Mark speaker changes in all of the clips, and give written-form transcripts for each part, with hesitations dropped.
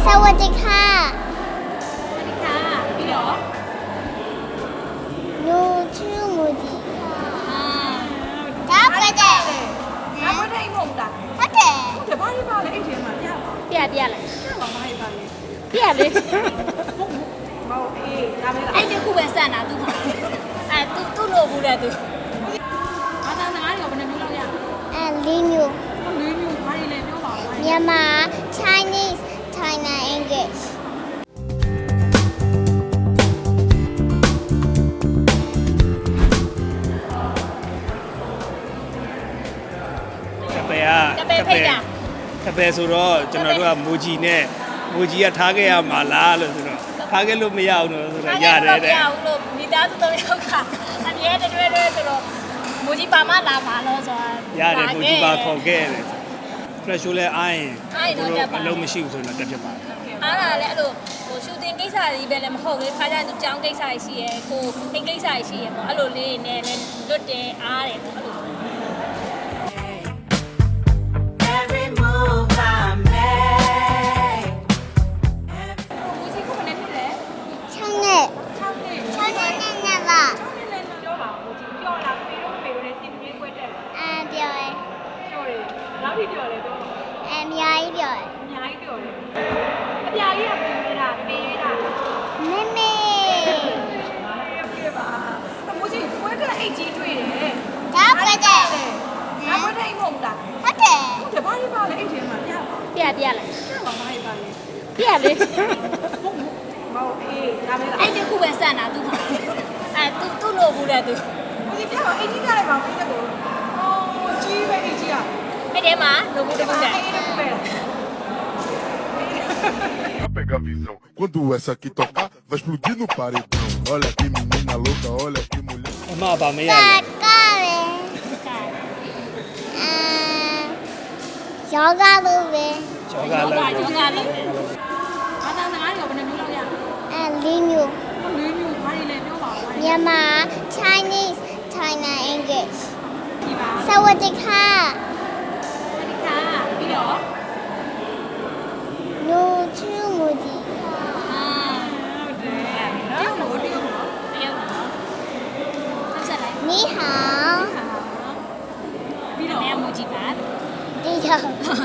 Speaker 1: สวัสดีค่ะ
Speaker 2: ပြီးတော့
Speaker 1: หนูชื่อโมจิค่ะครับไปเด็
Speaker 2: ငါမထိုင်မဟုတ်လား
Speaker 1: ဟုတ်တယ်
Speaker 2: ဟုတ်တယ်ဘာလို့ပါလဲအဲ့ဒီမှာပြပါ
Speaker 3: ပြလိုက်
Speaker 2: ဘာမှမဟိုက်ပါလေ
Speaker 3: ပြလေ
Speaker 2: မဟုတ်အေးဒါပဲလား
Speaker 3: အဲ့ဒီခုပဲစံတာသူ့မှာအဲ့သူ့လိုဘူးလေသူ
Speaker 2: ဘာသာစကားတွေကဘယ်နှမျိုးလောက်ရ
Speaker 1: လေးမျိုး
Speaker 2: လေးမျိုးဘာတွေလဲပြောပါဦး
Speaker 1: မြန်မာ Chinese China English
Speaker 4: ကပယ်ကပယ်ဆိုတော့ကျွန်တော်တို့ကမိုဂျီနဲ့မိုဂျီကထားခဲ့ရမှာလားလို့ဆိုတော့ထားခဲ့လို့မရအောင်လို့ဆိုတော့ရတယ်တဲ့
Speaker 3: မရဘူးလို့မိသားစု၃ယောက်ကအမြဲတည်းတွဲဆိုတော့မိုးကြီးပါမလာပါလို့ဆိုတာ
Speaker 4: ရတယ်မိုဂျီပါခေါ်ခဲ့တယ်ဖရက်ရှိုးလဲအားရင်အလုံးမရှိဘူးဆိုတော့တက်ဖြစ်ပါတယ်
Speaker 3: အားလာလည်းအဲ့လိုဟိုရှူတင်ကိစ္စကြီးပဲလည်းမဟုတ်လေခါကျရင်သူကြောင်းကိစ္စကြီးရှိရယ်ကိုအိမ်ကိစ္စကြီးရှိရယ်ပေါ့အဲ့လိုလေးနဲ့လည်းလွတ်တယ်အားတယ်ပေါ့အဲ့လို
Speaker 5: Every move I make.
Speaker 2: ဒီစီကဘယ်နဲ့ဖြစ်လဲ
Speaker 1: 6နှစ်
Speaker 2: 6နှစ်
Speaker 1: 6နှစ်နဲ့ပါ
Speaker 2: 6နှစ်လည်းပြောပါဦးဒီပြောလားဖေတို့ဖေတို့လည်းစီမင်းကွက်တက်လား
Speaker 1: ပြောတယ်
Speaker 2: ပြောတယ်နောက်ထိပြောလဲပြော
Speaker 1: အများကြီးပြောတယ်
Speaker 2: အများကြီးပြောတယ်အပြာကြီးကပေးတာပေးတာ
Speaker 1: မေမေ
Speaker 2: ပြပါအမိုးကြီးကွက်တက်အိတ်ကြီးတွေ့တယ်
Speaker 1: ဒါပဲတဲ့
Speaker 2: ငါမထိုင်မဟုတ်လား
Speaker 1: ဟုတ်တယ်
Speaker 2: ဟုတ်တယ်ဘာလို့ပါလဲအိတ်ထဲမှာပြပါ
Speaker 3: ပြလိုက်
Speaker 2: ပြပါမဟိုက်ပါလေ
Speaker 3: ပြလေ
Speaker 2: မဟုတ်အေးဒါပဲလား
Speaker 3: အဲ့ဒီခုပဲစံတာသူ့မှာအဲ့သူ့လိုဘူးလေသူ
Speaker 2: ဒီပြပါအိတ်ကြီးကလည်းပါပြီးတဲ့ကိုအော်ကြီးပဲအိတ်ကြီးอ่ะ
Speaker 3: အဲ့ဒီမှာလိုဘူးတခုတည်း
Speaker 2: အိတ်လည်းပဲ
Speaker 6: Pega a visão. Quando essa aqui tocar, vai explodir no paredão. Olha que menina louca, olha que mulher.
Speaker 4: အမပါမရ
Speaker 1: က
Speaker 4: ဘူး
Speaker 1: ကပဲယောဂလို့ပဲ
Speaker 4: ကျောင်းက
Speaker 3: လော
Speaker 4: လည်း
Speaker 3: ကလောကလုံးတယ်
Speaker 2: ဘာသာစကားတွေကဘယ်နှမျိုးလောက်ရ
Speaker 1: လေးမျိုး
Speaker 2: လေးမျိုးဘာတွေလဲပြောပါဦး
Speaker 1: မြန်မာ Chinese China English
Speaker 2: ဒီပါ
Speaker 1: สวัสดีค่ะ
Speaker 2: ค่ะပြီးတော့
Speaker 1: หนูชื่อโมจิค่ะ
Speaker 3: အာ
Speaker 2: ဟုတ်တယ်နော်တရုတ်လို့
Speaker 3: တရုတ်နော်ဆက်ဆက်လိုက်
Speaker 1: 你好
Speaker 2: ပြီးတော့
Speaker 3: မဲမူကြည့်ပါ
Speaker 1: ဒီတော့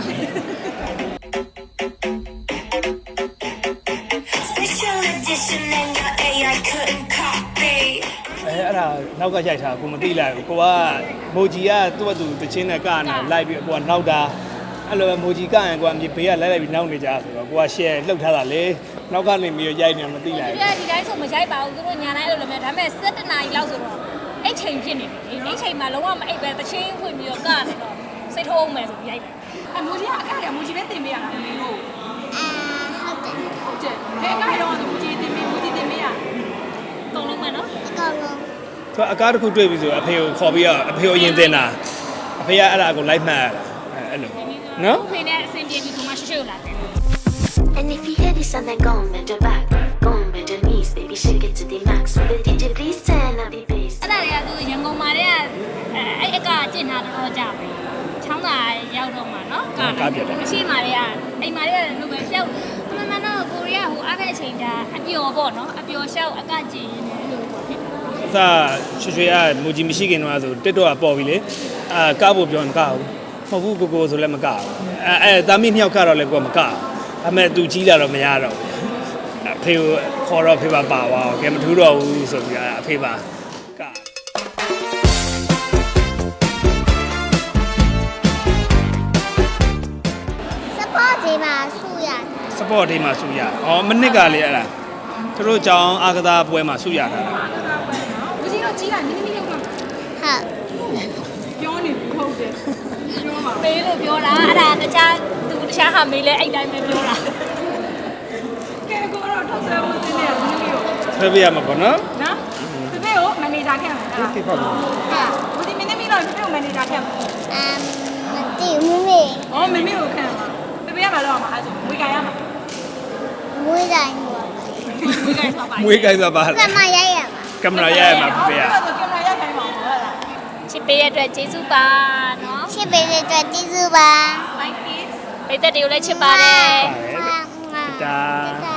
Speaker 5: Special edition and your AI couldn't copy.
Speaker 4: အဲ့ဒါနောက်ကရိုက်ထားကိုမသိလိုက်ဘူးကိုကမိုဂျီကသူ့ဘသူတချင်းနဲ့ကနာလိုက်ပြီးကိုကနောက်တာအဲ့လိုပဲမိုဂျီကရင်ကိုကမြေဘေးကလိုက်လိုက်ပြီးနောက်နေကြဆိုတော့ကိုက share လှုပ်ထားတာလေနောက်ကနေပြီးရိုက်နေမသိလိုက်
Speaker 3: ဒီတိုင်းဆိုမရိုက်ပါဘူးသူတို့ညာတိုင်းအဲ့လိုလည်းဒါပေမဲ့7နာရီလောက်ဆိုတော့အဲ့ချိန်ဖြစ်နေပြီအဲ့ချိန်မှာလုံးဝမအိပ်ပဲတချင်းဖွင့်ပြီးတော့ကနေတော့စိတ်ထိုးအောင်မယ်ဆိုပြီးရိုက်တယ်
Speaker 2: အမိုးကြီးကအကရမိုးကြီးပဲတင်ပေးရတာမင်းတို့
Speaker 1: ဟုတ်တယ်
Speaker 2: ဟုတ်တယ်ဘယ်အကရတော့မိုးကြီးတင်ပေးမိုးကြီးတင်ပေးရ
Speaker 3: တုံလုံးမယ်နော်
Speaker 1: အကောင်လုံး
Speaker 4: သူအကားတစ်ခုတွေ့ပြီဆိုအဖေကိုခေါ်ပြီးတော့အဖေကိုရင်တင်တာအဖေကအဲ့ဒါကိုလိုက်မှတ်ရတာအဲ့လိုနော်
Speaker 3: ဖေနဲ့အဆင်ပြေပြီဆိုမှရှေ့ကိုလာတယ်
Speaker 5: And if you hear this and then go and bend your back, go and bend your knees, baby, shake it to the max. With the DJ, please turn up the bass.
Speaker 3: အဲ့ဒါတွေကသူရန်ကုန်မှာတည်းကအဲ့အကကျင့်ထားတော့ကြပြီချောင်းသာရောက်တော့မှာနော်မရှိမှာတည်းကအိမ်မှာတည်းကလူပဲရှောက်မမတော့ကိုရီးယားဟိုအားတဲ့အချိန်ဒါအပျော်ပေါ့နော်အပျော်ရှောက်အကကျင့်နေလို့ဖြစ်တာ
Speaker 4: အစရွှေကမိုဂျီမရှိခင်တော့ဆိုတက်တော့ပေါ်ပြီလေအာကားဖို့ပြောမကဘူးမဟုတ်ဘူးကိုဆိုလည်းမကဘူးအဲသားမီးနှစ်ယောက်ကတော့လည်းကိုကမကဘူးအမေသူကြီးလာတော့မရတော့အဖေကိုခေါ်တော့ဖေပါပါသွားကဲမထူးတော့ဘူးဆိုပြီးအဖေပါက
Speaker 1: support ဒီမှာဆူရ
Speaker 4: support ဒေးမှာဆူရဩမနစ်ကလေအဲ့ဒါသူတို့ကြောင်းအားကစားပွဲမှာဆူရတာ
Speaker 2: မိုးကြီးတော့ကြီးကနင်းနင်းရုပ်တော့
Speaker 1: ဟုတ်
Speaker 2: ပြောနေပြီဟုတ်တယ်ပြောပါ
Speaker 3: မေးလို့ပြောတာအဲ့ဒါတခြားသူတခြားဟာမေးလဲအဲ့တိုင်းပဲပြောတာ
Speaker 2: ကဲကိုတော့ထောက်ဆဲဖို့တင်နေရဘူးလို့
Speaker 4: ဆွဲပြရမှာပေါ့နော်
Speaker 2: နော်တပည့်ကိုမန်နေဂျာခဲ့မှာလား
Speaker 4: ဒီပေါ့နော်
Speaker 2: မိုးကြီးမင်းသမီးတော့တပည့်ကိုမန်နေဂျာခဲ့မှာ
Speaker 1: မသိဘူးမေ
Speaker 2: อ๋อမမေကိုခံမှာတပည့်ရမှာတော့မှာအဲ့ဆိုဝေကရမှာ
Speaker 1: မွေးတိုင်းဟို
Speaker 3: ဝေးကိုင်းသွားပါ
Speaker 4: မွေးကိုင်းသွားပါ
Speaker 1: ကမရိုက်ရမှာ
Speaker 4: ကင်မရာရရမှာပြရ
Speaker 2: အဲ့ဆိုကင်မရာရိုက်ခိုင်းပါဦးဟုတ်လား
Speaker 3: ချစ်ပေးရတဲ့အတွက်ကျေးဇူးပါနော်
Speaker 1: ရှစ်ပေတဲ့အတွက်ကျေးဇူးပါ
Speaker 2: like this
Speaker 3: ပိတ်သက်တွေကိုလည်းချစ်ပါတယ်
Speaker 1: ငါ
Speaker 4: တာ
Speaker 1: တာ